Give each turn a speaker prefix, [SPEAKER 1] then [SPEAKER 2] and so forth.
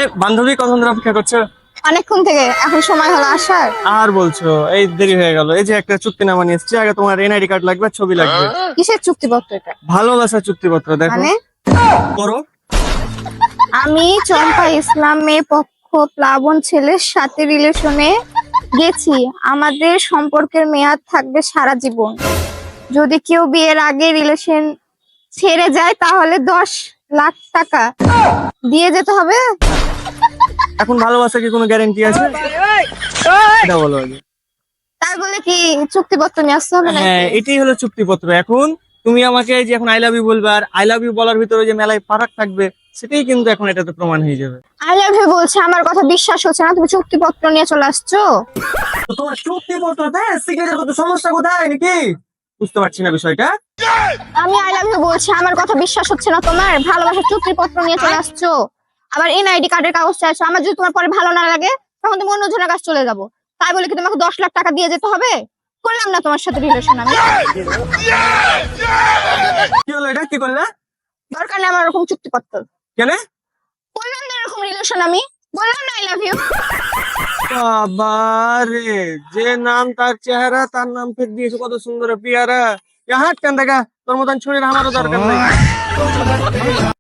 [SPEAKER 1] বান্ধবী কখন ধরে অপেক্ষা করছো?
[SPEAKER 2] অনেকক্ষণ থেকে, এখন সময় হলো আসার।
[SPEAKER 1] আর বলছো, এই দেরি হয়ে গেল। এই যে একটা চুক্তিনামা নিয়ে এসেছি, আগে তোমার এনআইডি কার্ড লাগবে, ছবি লাগবে।
[SPEAKER 2] কিসের চুক্তিপত্র এটা?
[SPEAKER 1] ভালোবাসার চুক্তিপত্র দেখো।
[SPEAKER 2] মানে
[SPEAKER 1] করো।
[SPEAKER 2] আমি চম্পা ইসলাম মেয়ে পক্ষ প্লাবন ছেলের সাথে রিলেশনে গেছি। আমাদের সম্পর্কের মেয়াদ থাকবে সারা জীবন। যদি কেউ বিয়ের আগে রিলেশন ছেড়ে যায় তাহলে 10 লাখ টাকা দিয়ে যেতে হবে।
[SPEAKER 1] এখন ভালোবাসা কি কোনো গ্যারান্টি আছে? এটা বলো আগে।
[SPEAKER 2] তাই বলে কি চুক্তিপত্র নিয়ে আসতে হবে
[SPEAKER 1] হ্যাঁ,
[SPEAKER 2] নাকি?
[SPEAKER 1] এটাই হলো চুক্তিপত্র। এখন তুমি আমাকে এই যে এখন আই লাভ ইউ বলবে, আর আই লাভ ইউ বলার ভিতরে যে মেলায় ফারাক থাকবে, সেটাই কিন্তু এখন এটাতে প্রমাণ হয়ে যাবে।
[SPEAKER 2] আই লাভ ইউ বলছে, আমার কথা বিশ্বাস হচ্ছে না, তুমি চুক্তিপত্র নিয়ে চলে আসছো।
[SPEAKER 1] তো তোমার চুক্তিপত্র সিগনেচার করতে সমস্যা কোথায় নাকি? বুঝতে পারছি না বিষয়টা।
[SPEAKER 2] আমি আই লাভ ইউ বলছি, আমার কথা বিশ্বাস হচ্ছে না তোমার? ভালোবাসার চুক্তিপত্র নিয়ে চলে আসছো, আবার এনআইডি কার্ডের কাগজ চাইছো। আমার যদি তোমার পরে ভালো না লাগে তখন তুমি অন্যজনের কাছে চলে যাবো। তাই বলে কি তোমাকে 10 লাখ টাকা দিয়ে যেতে হবে? করলাম না তোমার সাথে রিলেশন আমি।
[SPEAKER 1] কি হলো, এটা কি করলে?
[SPEAKER 2] দরকার নেই আমার এরকম চুক্তিপত্র।
[SPEAKER 1] কেন?
[SPEAKER 2] করলাম না এরকম রিলেশন আমি, বললাম না আই লাভ ইউ।
[SPEAKER 1] বাবারে, যে নাম তার চেহারা, তার নাম ফেক দিয়েছে, কত সুন্দর পিয়ারা। হাট কেন দেখা, তোর মতন ছড়িয়ে আমারও দরকার নেই।